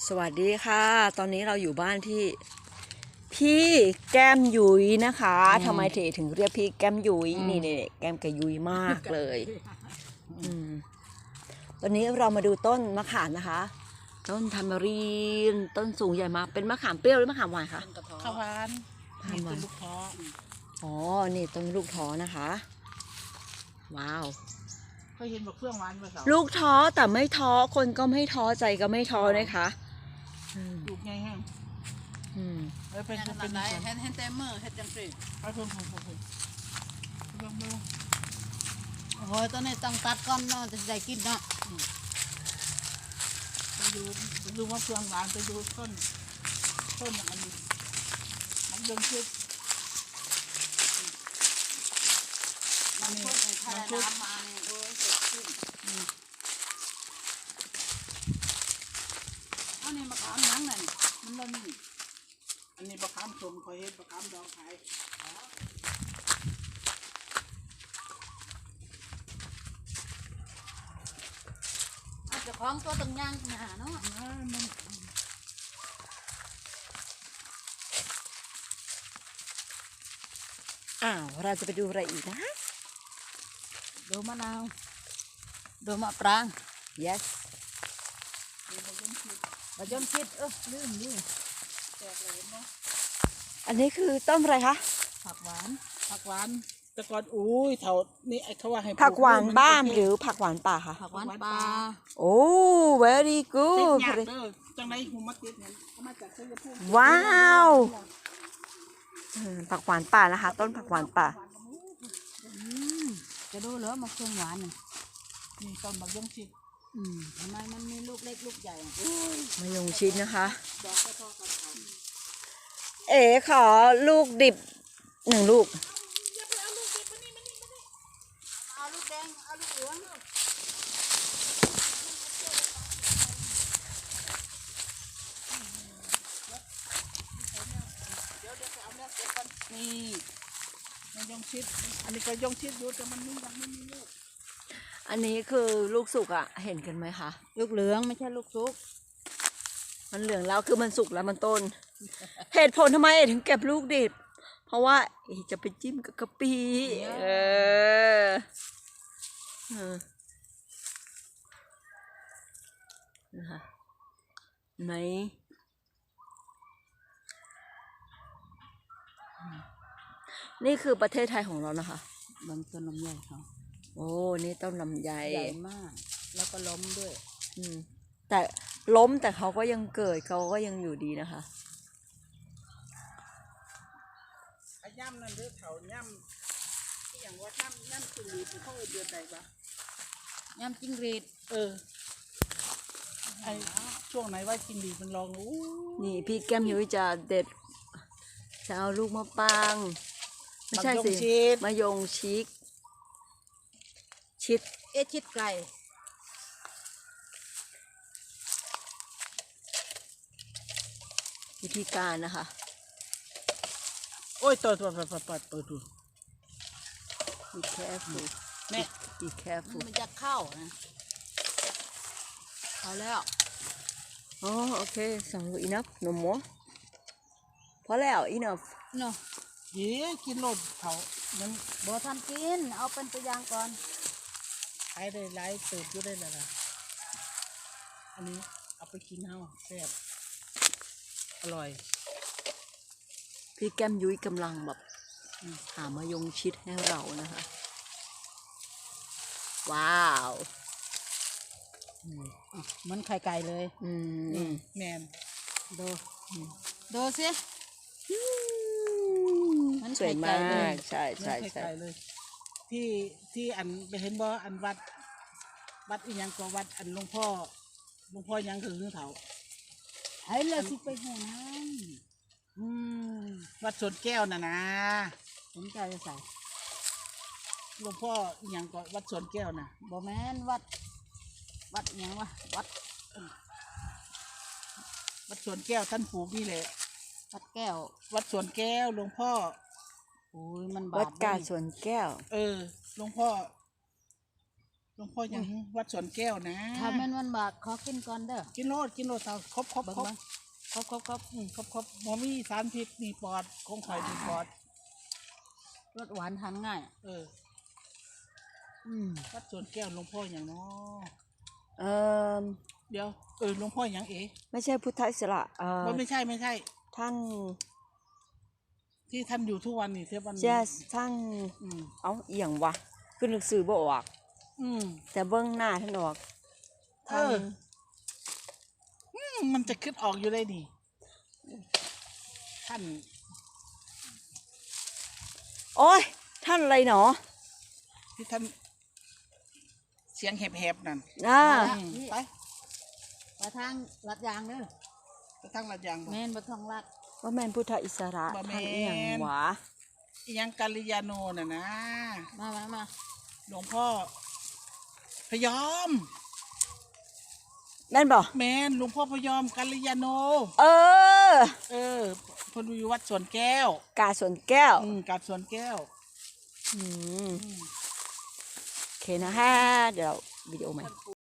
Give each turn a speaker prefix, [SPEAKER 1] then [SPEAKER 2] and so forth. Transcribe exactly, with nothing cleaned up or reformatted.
[SPEAKER 1] สวัสดีค่ะตอนนี้เราอยู่บ้านที่พี่แก้มยุ้ยนะคะทำไมเทถึงเรียกพี่แก้มยุ้ยนี่เนี่ยแก้มกับยุ้ยมากเลยอืมตอนนี้เรามาดูต้นมะขามนะคะต้นทามารีนต้นสูงใหญ่มากเป็นมะขามเปรี้ยวหรือมะขามหวานคะ
[SPEAKER 2] ข้าวหวานนี่เป็นลูกท้อ
[SPEAKER 1] อ๋อนี่ต้นลูกท้อนะคะว้าว
[SPEAKER 2] เคยเห็นบอกเครื่องหวานมาสาว
[SPEAKER 1] ลูกท้อแต่ไม่ท้อคนก็ไม่ท้อใจก็ไม่ท้อนะคะอืม
[SPEAKER 2] ลูกใหญ่แห้ง
[SPEAKER 1] อืม
[SPEAKER 2] เออเป็น
[SPEAKER 3] ข
[SPEAKER 2] เป็
[SPEAKER 3] นาด
[SPEAKER 2] น
[SPEAKER 3] ไหน
[SPEAKER 2] ส่วน
[SPEAKER 3] เห็นเห็นแต่มือเห็นจังสิ
[SPEAKER 2] เอาเพิ่มเพิ่มเพิ่มเพิ่มเพิ่มเพิ่ม
[SPEAKER 3] โอ้ยตอนนี้ต้องตัดก้อนเนาะจะได้กินเนาะ
[SPEAKER 2] ไปดูไปดูว่าเครื่องหวานไปดูต้นต้นอันนี้มันเดินชิด
[SPEAKER 3] มันพูดในทะเลน้ำมาเนี่ยโอ้ยเจ็บขึ้นอันนี้มะขามหยังนั่นมันบ่มี
[SPEAKER 2] อันนี้บะขามส้มคอยเห็นบะขามดองขาย
[SPEAKER 3] อาจจะคล้องตัวตึงย่างหาเนาะ
[SPEAKER 2] อ่ามัน
[SPEAKER 1] อ้าวเราจะไปดูอะไรอีกนะ
[SPEAKER 3] ดูมะนาวดูมะปราง
[SPEAKER 1] yes
[SPEAKER 3] บะยมคิดเออลืมลืม
[SPEAKER 1] อันนี้คือต้นอะไรคะ
[SPEAKER 3] ผักหวาน
[SPEAKER 2] ผักหวานแต่ก่อนอุ้ยเถานี่ไอ้เขาว่าให้ปลู
[SPEAKER 1] ผักหวานบ้าน
[SPEAKER 2] มั
[SPEAKER 1] หรือผักหวานป่าคะ
[SPEAKER 3] ผักหวานปลา
[SPEAKER 1] โอ้ very
[SPEAKER 2] ติด
[SPEAKER 1] good
[SPEAKER 2] ยากเด้อจังไรหูมาติดเนี่ยเอามาจากชัยภูมิ
[SPEAKER 1] ว้าวอืมผักหวานป่านะคะ ต้นผักหวานป่า
[SPEAKER 3] จะดูเหรอมะเขือหวานน่ะ
[SPEAKER 2] นี่ต้นมะยงชิด
[SPEAKER 3] อืมทำไมมันมีลูกเล็กลูกใหญ่อะ
[SPEAKER 1] มะยงชิดนะคะ
[SPEAKER 2] ดอกก็พอกันเอา
[SPEAKER 1] เอ๋ขอลูกดิบหนึ่งลูก
[SPEAKER 3] เอาลูกแดงเอาลูกเหลือง
[SPEAKER 2] นี่มะยงชิดอันนี้ก็ยงชิดอยู่แต่มันไม่ยังไม่มีลูก
[SPEAKER 1] อันนี้คือลูกสุกอะเห็นกันไหมคะ
[SPEAKER 3] ลูกเหลืองไม่ใช่ลูกซุก
[SPEAKER 1] มันเหลืองแล้วคือมันสุกแล้วมันต้น เหตุผลทำไมเอ๋ถึงเก็บลูกดิบ เพราะว่าเอ๋จะไปจิ้มกับกะปิเออเออนะคะไหนนี่คือประเทศไทยของเรานะคะ
[SPEAKER 3] บางต้นลำไยเขา
[SPEAKER 1] โอ้ นี่ต้นลำไย
[SPEAKER 3] ใหญ่มาก แล้วก็ล้มด้วย
[SPEAKER 1] อืมแต่ล้มแต่เขาก็ยังเกิดเขาก็ยังอยู่ดีนะคะ
[SPEAKER 2] ไอ้ย่ำนั่นเด้อเถาย่ำที่อย่างว่าย่ำย่ำสุรีที่เขาเอาเดือนใดปะ
[SPEAKER 3] ยำจิ้งหรีด
[SPEAKER 2] เออไอ้ช่วงไหนว่ากินดีมันลองอู้
[SPEAKER 1] นี่พี่แก้มยุ้ยจะเด็ดจะเอาลูกมะปรางไม่ใช่สิ
[SPEAKER 2] ชิด
[SPEAKER 1] มะยงชิก ชิด
[SPEAKER 3] เอชิดไก่
[SPEAKER 1] วิธีการนะคะ
[SPEAKER 2] โอ้ยตัวตัวตัวตัวตัวตัวตัว
[SPEAKER 1] be careful
[SPEAKER 2] แม่
[SPEAKER 1] be careful
[SPEAKER 3] มันจะเข้านะเข้าแล้ว
[SPEAKER 1] อ๋อโอเคสองลูก enough no more พอแล้ว enough
[SPEAKER 3] เนาะ
[SPEAKER 2] เย้กินโลดเถายัง
[SPEAKER 3] บอทันกิน เอาเป็นตัวอย่างก่อน
[SPEAKER 2] ขายได้หลายเติบอยู่ได้แล้วล่ะอันนี้เอาไปกินเฮาแซ่บอร่อย
[SPEAKER 1] พี่แก้มยุ้ยกำลังแบบหามายงชิดให้เรานะคะ ว้าว
[SPEAKER 3] อ่ะเหมือนไข่ไก่เลย
[SPEAKER 1] อืม
[SPEAKER 2] แมน
[SPEAKER 3] ดูดูสิ มัน
[SPEAKER 1] สวย
[SPEAKER 3] ไข่ไก่
[SPEAKER 1] มา
[SPEAKER 3] เลย
[SPEAKER 1] ก ใช่ใช่
[SPEAKER 2] ไม่
[SPEAKER 1] ใช่
[SPEAKER 2] ไกลๆเลย ที่ที่อันไปเห็นบ่อันวัด วัดอีหยังก็วัดอันหลวงพ่อหลวงพ่อหยังคือเถา
[SPEAKER 3] ไอ้เราสิไปหัวน้
[SPEAKER 2] อืมวัดสวนแก้วน่ะนะ
[SPEAKER 3] ำผมใจจะใส่
[SPEAKER 2] หลวงพ่ออีหยังก็วัดสวนแก้วน่ะ
[SPEAKER 3] บอแมนวัด วัดอิหยังวะวัด
[SPEAKER 2] วัดสวนแก้วท่านปลูกนี่แหละ
[SPEAKER 3] วัดแก้ว
[SPEAKER 2] วัดสวนแก้วหลวงพ่อ
[SPEAKER 3] โอ้ยมันบา
[SPEAKER 1] วัด
[SPEAKER 3] ป
[SPEAKER 1] กา
[SPEAKER 3] เด้
[SPEAKER 1] สวนแก้ว
[SPEAKER 2] เออหลวงพ่อหลวงพ่อยังวัดสวนแก้วนะ
[SPEAKER 3] ถ้าแม่นวันบากขอกินก่อนเด้อ
[SPEAKER 2] กินโลดกินโลดเอาครบครบ
[SPEAKER 3] เบิ่ง
[SPEAKER 2] ครบ
[SPEAKER 3] เบิ่งครบครบครบ
[SPEAKER 2] อืมครบครบหมอมีสารพิษนี่ปอดคงข่อยดีปอด
[SPEAKER 3] รสหวานทานง่าย
[SPEAKER 2] เออ
[SPEAKER 3] อืม
[SPEAKER 2] วัดสวนแก้วหลวงพ่ออย่างเนาะ
[SPEAKER 1] เออ
[SPEAKER 2] เดี๋ยวเออหลวงพ่ออย่างเอ๋
[SPEAKER 1] ไม่ใช่พุทธอิสระเออ
[SPEAKER 2] ว่าไม่ใช่ไม่ใช่
[SPEAKER 1] ท่าน
[SPEAKER 2] ที่ท่านอยู่ทุกวันนี่เทปวันนี้
[SPEAKER 1] เจสท่าน
[SPEAKER 2] อืม
[SPEAKER 1] เอาเอียงวะคือนึกสื่อบ่ออก
[SPEAKER 2] อืม
[SPEAKER 1] แต่เบื้องหน้าท่านออก
[SPEAKER 2] เอ
[SPEAKER 1] ท่าน
[SPEAKER 2] อ อืมมันจะขึ้นออกอยู่เลยนี่ท่าน
[SPEAKER 1] โอ้ยท่านอะไรหนอ
[SPEAKER 2] ที่ท่าน เสียงแหบๆนั่น
[SPEAKER 1] อ่า
[SPEAKER 2] อืมไป
[SPEAKER 3] ไปทางลัดยางเด้อ
[SPEAKER 2] ไปทางลัดยางบ่
[SPEAKER 3] แม่นบ่ทองลัด
[SPEAKER 1] ว่าแม่นพุทธอิสระ
[SPEAKER 2] บ่แม่น
[SPEAKER 1] ท่านเอียงวะ
[SPEAKER 2] อีหยังกัลยาโนน่ะนะ
[SPEAKER 3] มามามา
[SPEAKER 2] หลวงพ่อพยอม
[SPEAKER 1] แม่นบ่
[SPEAKER 2] แมนหลวงพ่อพยอมกัลยาโน
[SPEAKER 1] เออ
[SPEAKER 2] เออเพนอยู่วัดสวนแก้ว
[SPEAKER 1] กาสวนแก้ว
[SPEAKER 2] อืมกาดสวนแก้ว
[SPEAKER 1] อืม
[SPEAKER 2] อืม
[SPEAKER 1] โอเคนะฮะ เดี๋ยววิดีโอใหม่